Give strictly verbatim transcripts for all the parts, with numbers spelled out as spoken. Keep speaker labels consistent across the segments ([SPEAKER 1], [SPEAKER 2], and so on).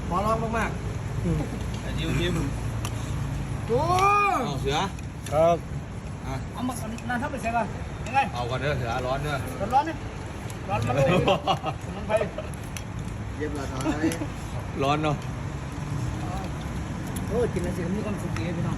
[SPEAKER 1] ขอร้องมากๆแต่ยิ้มยิ้มโอ้เอาเสือครับเอามานั่นทับไปเสร็จป่ะยังไงเอาก่อนเด้อเสือร้อนเด้อร้อนร้อนเนี่ยร้อนมาเลยมันไปเย็บละท้ายร้อนเนาะโอ้กินแล้วสิมีความสุขดีพี่น้อง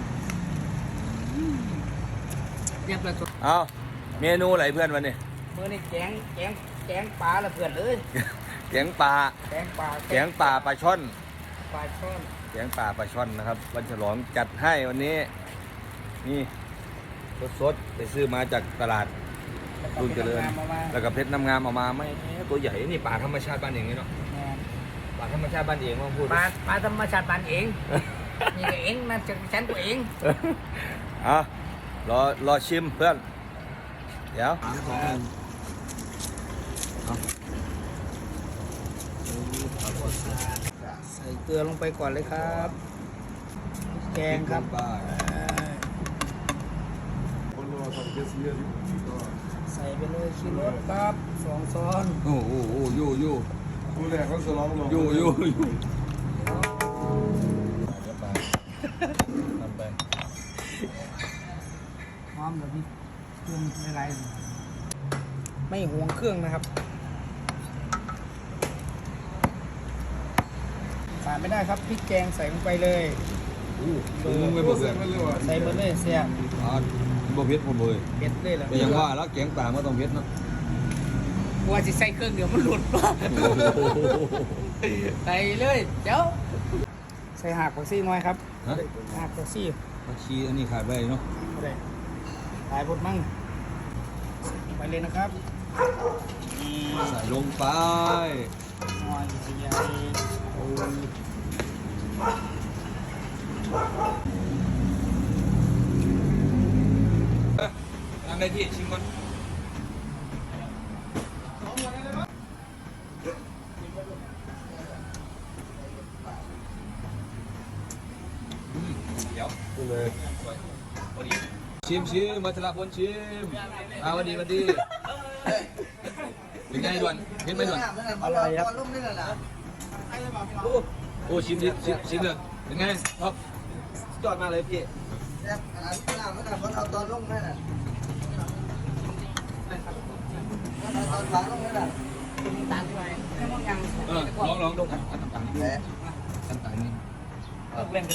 [SPEAKER 1] เย็บละเอาเมนูอะไรเพื่อนวันนี้เมื่อนี่แกงแกงแกงปลาละเพื่อนเลยแกงปลาแกงปลาแกงปลาปลาช่อนปลาช่อนแกงปลาปลาช่อนนะครับวันฉลองจัดให้วันนี้นี่สดๆไปซื้อมาจากตลาดรุ่นเจริญแล้วก็เพชรน้ำงามออกมาไม่ตัวใหญ่นี่ปลาธรรมชาติบ้านเองนี่เนาะปลาธรรมชาติบ้านเองว่าพูดปลาปลาธรรมชาติบ้านเองนี่เองนะจากฉันตัวเองอ่ะรอรอชิมเพื่อนเดี๋ยวใส่เกลือลงไปก่อนเลยครับแกงครับใส่ไปเลยชิโรสครับสองช้อนโอ้โหโอ้ยูยูดูแลเขาสลองลงยูยูยูทำไปหอมแบบนี้เครื่องอะไรไม่ห่วงเครื่องนะครับขาดไม่ได้ครับพริกแกงใส่ลงไปเลยเบอร์ไม่บอกเลยใส่เบอร์เลยเสียบ่เผ็ดผมเลยเผ็ดเลยเหรอแต่ยังว่าแล้วแกงป่าไม่ต้องเผ็ดเนาะว่าจะใส่เครื่องเดี๋ยวมันหลุดใส่เลยเดี๋ยวใส่หักผักชีน้อยครับหักผักชีผักชีอันนี้ขาดไปเนาะขายบดมั่งไปเลยนะครับใส่ลงไปหน่อยใหญ่ทำได้ที่ชิมก่อนเดี๋ยวดูเลยชิมชิมมาชลาพลชิมอ่าวันดีวันดีเป็นไงด่วนเห็นไหมด่วนอร่อยครับโอ้ชิมดิชิมชิมเลยเป็นไงท็อปยอดมากเลยพี่อันนั้นไม่น่าไม่น่าเพราะเอาตอนลงนั่นน่ะตอนหลังลงนั่นน่ะต่างไปไม่มองยังเออลองลองดูกันต่างต่างนี่ต่างต่างนี่เออเล่นกัน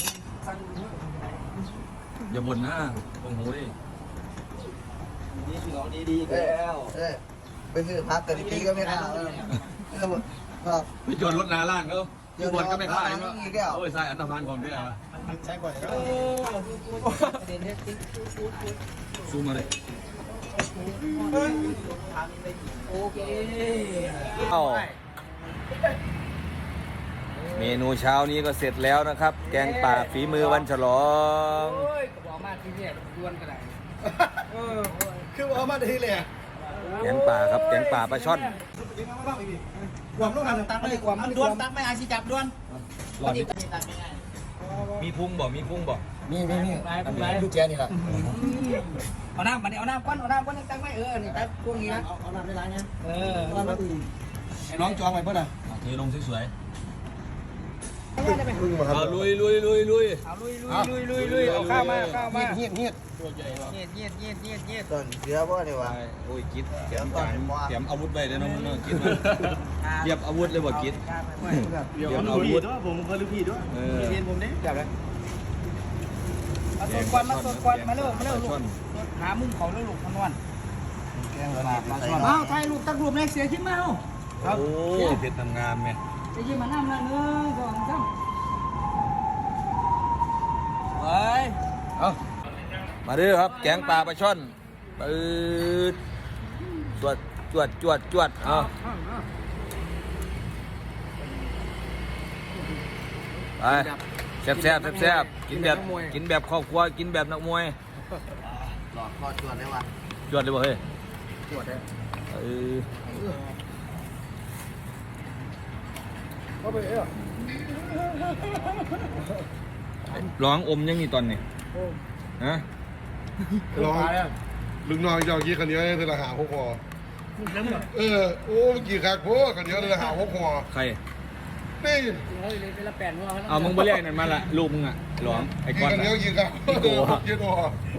[SPEAKER 1] อย่าบ่นนะโอ้โหดิดีสุดหรอดีดีแล้วเออไปซื้อพักแต่ดีก็ไม่เข้าครับไปจนรถนาล่างเขาอยู่บนก็ไม่เข้าเนาะโอ้ยใส่อันตรพานของด้วยอ่ะใช้ก่อนซูมมาเลยโอเคเมนูเช้านี้ก็เสร็จแล้วนะครับแกงป่าฝีมือวันฉลองบอกมาที่นี่ดวนกันไหนคือบอกมาที่เลยแกงป่าครับแกงป่าปลาช่อนความต้องการตักไม่ความดวนตักไม่อาชีจับดวนมีพุงบ่มีพุงบ่มีมีมีลูกแกนี่แหละเอาน้ำมาเนี่ยเอาน้ำก้อนเอาน้ำก้อนตั้งไม่เออนี่ตั้งพวกนี้นะเอาน้ำได้ไรเนี่ยเออไอ้น้องจองไปเพื่อนอ่ะเทลงสวยๆเอาลุยลุยลุยลุยเอาลุยลุยลุยลุยลุยเอาข้าวมาข้าวมาเงียบเงียบเงียบเงียบเงียบเงียบเงียบต้นเสือบ่เนี่ยวะโอ้ยกิดเตรียมการเตรียมอาวุธไปเลยน้องน้องกิดมาเตรียมอาวุธเลยบ่กิดเตรียมอาวุธด้วยผมเคยรู้พี่ด้วยเรียนผมเนี่ยจับเลยมาสดควันมาสดควันมาเร็วมาเร็วลูกหามุมเขาเร็วลูกพันวันแกงปลาปลาช่อนอ้าวไทยลูกตักรูปในเสียชิ้นมาเอาครับโอ้เพชรทำงานไหมจะยิ้มมาน้ำละเนื้อสองสามเฮ้ยเอามาดูครับแกงปลาปลาช่อนปืดจวดจวดจวดจวดเอาไปแซ่บแซ่บแซ่บกินแบบกินแบบครอบครัวกินแบบนักมวยหลอดคอจวดได้วะจวดเลยบ่เฮ้ยจวดเลยเออเข้าไปเอ้อร้องอมยังนี่ตอนนี้ฮะ
[SPEAKER 2] ร้องลุงน้องเจ้ากี้ขันเยอะเลยละหาหกคอเออโอ้เมื่อกี้คักโพขันเยอะเลยละหาหกคอ
[SPEAKER 1] ใคร
[SPEAKER 2] นี่
[SPEAKER 3] เอามึงไปเรียกนั่นมาละลูกมึงอ่ะหลอมไอ้
[SPEAKER 2] กิ
[SPEAKER 3] ก้อน
[SPEAKER 2] นกันเยอะกินกันกินตัวกินตัว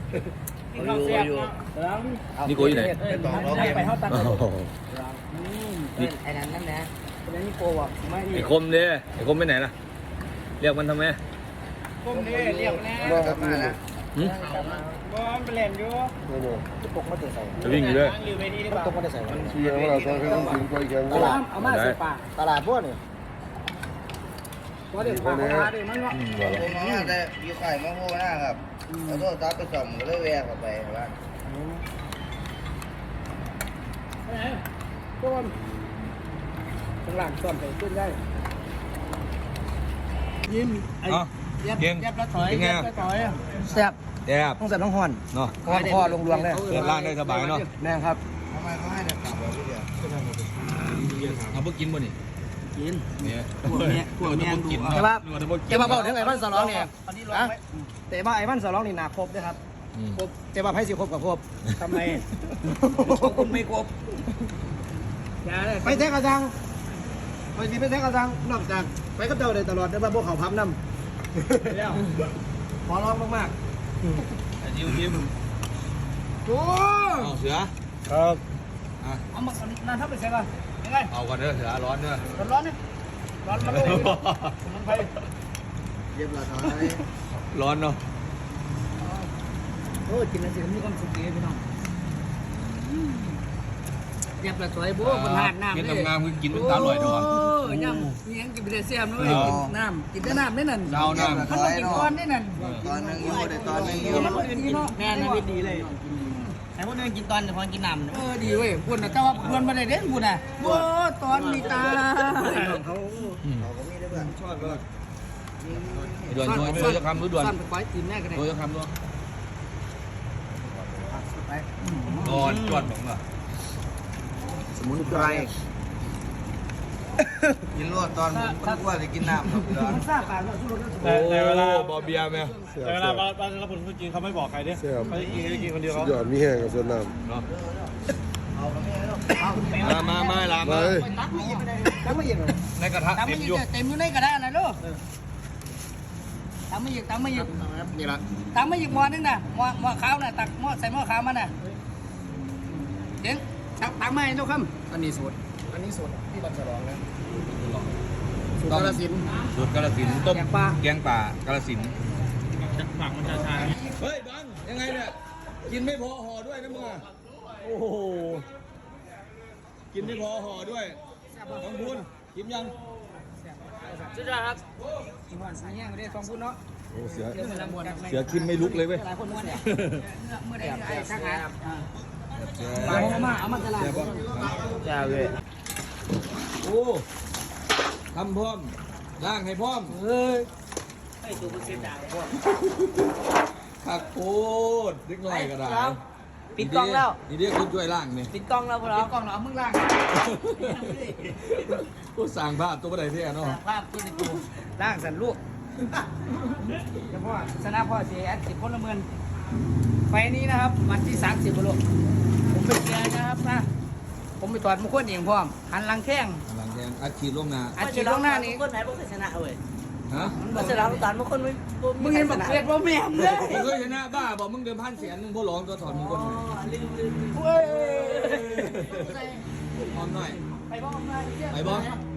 [SPEAKER 3] นี่กูอยู่ไหน
[SPEAKER 1] ไปเท่าตัน
[SPEAKER 3] โอ้โห
[SPEAKER 1] ไอ้นั่นนั่นนะเป็นนี่โกวะไม่
[SPEAKER 3] ไอ้คมเด้ไอ้คมไปไหนล่ะเรียกมันทำไม
[SPEAKER 1] ก้มนี่เรียกแน่
[SPEAKER 2] กลับมาแล้ว
[SPEAKER 3] หืม
[SPEAKER 1] บอลไปเล่นอยู่
[SPEAKER 2] โอ้โห
[SPEAKER 1] ตกมาเตะใส่
[SPEAKER 3] จะวิ่งอยู่ด้วย
[SPEAKER 1] อยู่เวทีดีกว่าตกมาเตะใส่
[SPEAKER 2] เชียร์ว่าเราต้องให้ต้องกินไปแข่ง
[SPEAKER 1] ตลาดเอามาใส่ปากตลาดพวกนี่ว่าเด็กพาเขามาดิมันว่า
[SPEAKER 3] อืม
[SPEAKER 4] ผมมาแต่อยู่ไข่มะม่วงหน้าครับแล้วก็ตัดไปส่งก็เลยแวะเข้าไปครับ
[SPEAKER 1] ก้มข้างหลังซ่อนไปขึ้นได้ยิ้มไอ้
[SPEAKER 3] อ๋อ
[SPEAKER 1] ยับ
[SPEAKER 3] เก่ง
[SPEAKER 1] ยับแล้วถอย
[SPEAKER 3] เป็นไง
[SPEAKER 1] ยับแล้วถอยแซ่บ
[SPEAKER 3] แอบ
[SPEAKER 1] ต้องแซ่บต้องห่อน
[SPEAKER 3] เนาะ
[SPEAKER 1] คอคอลงรวงเลย
[SPEAKER 3] เดินล่างได้สบายเนาะ
[SPEAKER 1] แม่ครับ
[SPEAKER 4] ทำไมเขาให้แต่กลับเราทีเดียว
[SPEAKER 3] เอาพวกกินบ่นี่
[SPEAKER 1] กิน
[SPEAKER 3] เนี่ย
[SPEAKER 1] พวกเนี้ยพวกเนี้ยดูแต่ว่าแต่ว่าบอกถึงไอ้บ้านสลองเนี่ยนะแต่ว่าไอ้บ้านสลองนี่หนาครบด้วยครับครบแต่ว่าไพ่สิครบกับครบทำไมคุณไม่ครบไปแท้กระจังไปสิไปแท้กระจังนอกจากไปก็เจ้าได้ตลอดแต่ว่าพวกเขาพับน้ำแล้วขอร้องมาก
[SPEAKER 3] ไอ้ยิ้มยิ้ม
[SPEAKER 1] ๆโอ้
[SPEAKER 3] เอาเสือ
[SPEAKER 2] ครับ
[SPEAKER 3] อ่ะ
[SPEAKER 1] เอามานานทับไปใส่ก่อนยังไง
[SPEAKER 3] เอาก่อนเด้อเสือร้อนเด้อ
[SPEAKER 1] ร้อนๆเนี่ยร้อนมาเลยมันไป
[SPEAKER 4] เรียบร้อย
[SPEAKER 3] ร้อนเนาะ
[SPEAKER 1] โอ้กินแล้วสิมีความสุขดีพี่น้องเรียบร้อยสวยโบ้คนหาดน้ำ
[SPEAKER 3] กิน
[SPEAKER 1] เลย
[SPEAKER 3] งามๆคือกินเป็นตาลอยด้วย
[SPEAKER 1] โอ้ยำมียังกินไปได้เสียมด้วยกินน้ำกินแต่น้ำได้นั่น
[SPEAKER 3] เจ้าน้ำ
[SPEAKER 1] มันต้องกินก้อนได้นั่น
[SPEAKER 4] ตอนนึงอยู่แต่ตอนนึงอยู่
[SPEAKER 1] มันอื่นกินเนาะ
[SPEAKER 5] แม่นะวิดีเลยไอ้พวกนี้กินตอนเดี๋ยวพอกินน้ำ
[SPEAKER 1] เออดีเว้ยพูดนะแต่ว่าพูดมาได้เด่นพูดน่ะโอ้ตอนมีตาเขา
[SPEAKER 4] เราก็มีได้เพื่อนชอบก็
[SPEAKER 3] ด่วนช่วยช่วยจะคำรู้ด่วน
[SPEAKER 1] สั้นไปก้อยกินแม่กันเลย
[SPEAKER 3] ช่วยจะคำด้วยด่วนด่วนผมเหรอ
[SPEAKER 1] สมุนไพร
[SPEAKER 4] กินรวดตอนผมว่าจะกินน้ำครับ
[SPEAKER 1] มันทราบป่ะว่าสู้รถ
[SPEAKER 3] โอ้บอเบียร์ไหม
[SPEAKER 6] แต่เวลาบ้านบ้านรับผลจริงเขาไม่บอกใครเนี่ย
[SPEAKER 2] เสียบ
[SPEAKER 6] เขาจะกินเขาจะกินคนเดียว
[SPEAKER 2] สุ
[SPEAKER 6] เขา
[SPEAKER 2] ดยอดมีแห้งกับส่วนน้
[SPEAKER 3] เนาะมามามาลา
[SPEAKER 2] ำ
[SPEAKER 3] มา
[SPEAKER 2] มาเลย
[SPEAKER 1] ตั้งไม่ยิงเลย
[SPEAKER 3] ในกระทะ
[SPEAKER 1] ตั้งไม่
[SPEAKER 3] เต็ม
[SPEAKER 1] ยิง
[SPEAKER 3] อยู่
[SPEAKER 1] เต็มอยู่ในกระดาษนะลูกตั้งไม่ยิงตั้งไม่ยิง
[SPEAKER 3] นี่ละ
[SPEAKER 1] ตั้งไม่ยิงหม้อนึงนะหม้อหม้อขาวน่ะตักหม้อใส่หม้อขาวมันน่ะเจ๋งตักตักไม่ลูกครับอันนี้สูตรอันนี้สูตรที่บัญชรองนะสูตรกาฬสินธุ์
[SPEAKER 3] สูตรกาฬสินธุ์ต้ม
[SPEAKER 1] แกงปลา
[SPEAKER 3] แกงป่ากาฬสินธุ์
[SPEAKER 6] หมักมันชาชา
[SPEAKER 3] เฮ้ยบังยังไงเนี่ยกินไม่พอห่อด้วยนะมึงอ่ะโอ้โหกินไม่พอห่อด้วยต้องพูนกินยัง
[SPEAKER 1] สุดยอดครับกินหวานสายแห้งไม่ได้ฟองพูดเนาะ
[SPEAKER 3] โอ้เสือ
[SPEAKER 1] เรื่องมันละมวน
[SPEAKER 3] เสือกินไม่ลุกเลยเว้ย
[SPEAKER 1] หลายคนม้วนเนี่ยเมื่อใดไอ้ช่างหาเอามาเอามาตลาด
[SPEAKER 3] จ้าเว้ยโอ้ทำพร้อมล่างให้พร้อม
[SPEAKER 1] เฮ้ย
[SPEAKER 5] ไอ้ตัวมันเสียดายพวก
[SPEAKER 3] ขักโคตรเล็กน้อยก็ได้
[SPEAKER 5] ปิดกล้องแล้ว
[SPEAKER 3] นี่เรียกคุณช่วยล่างนี่
[SPEAKER 5] ปิดกล้องแล้วพวกเรา
[SPEAKER 1] กล้องเราเอามึงล่าง
[SPEAKER 3] กูสั่งภาพตัวใดเท่เนาะ
[SPEAKER 5] ภาพตัวในกู
[SPEAKER 1] ล่างสันลูกเฉพาะชนะพ่อเสียแอดสิบคนละเมือนไฟนี้นะครับวันที่สามสิบลูกผมไปเชียร์นะครับนะผมไปถอดมุกคนเองพร้อมหันหลังแข้ง
[SPEAKER 3] หลังแทงอัดฉีดลงนา
[SPEAKER 1] อัดฉีดล่วงหน้านี้
[SPEAKER 5] คนไหนพวกชนะเว้ย
[SPEAKER 3] ฮะ
[SPEAKER 5] มันชนะตอนบางคนไม่
[SPEAKER 1] มึงเห็นบอกเกลียดว่าแม่มเลย
[SPEAKER 3] มึงเคยชนะบ้าบอกมึงเดิมพันเสียนมึงพวกร้องตัวถอนมึงคนไหน
[SPEAKER 5] ลืมลืม
[SPEAKER 1] เว้ย
[SPEAKER 3] พร้อมหน่อย
[SPEAKER 1] ไปบ้องมาเที่ยว
[SPEAKER 3] ไปบ้อง
[SPEAKER 1] ไ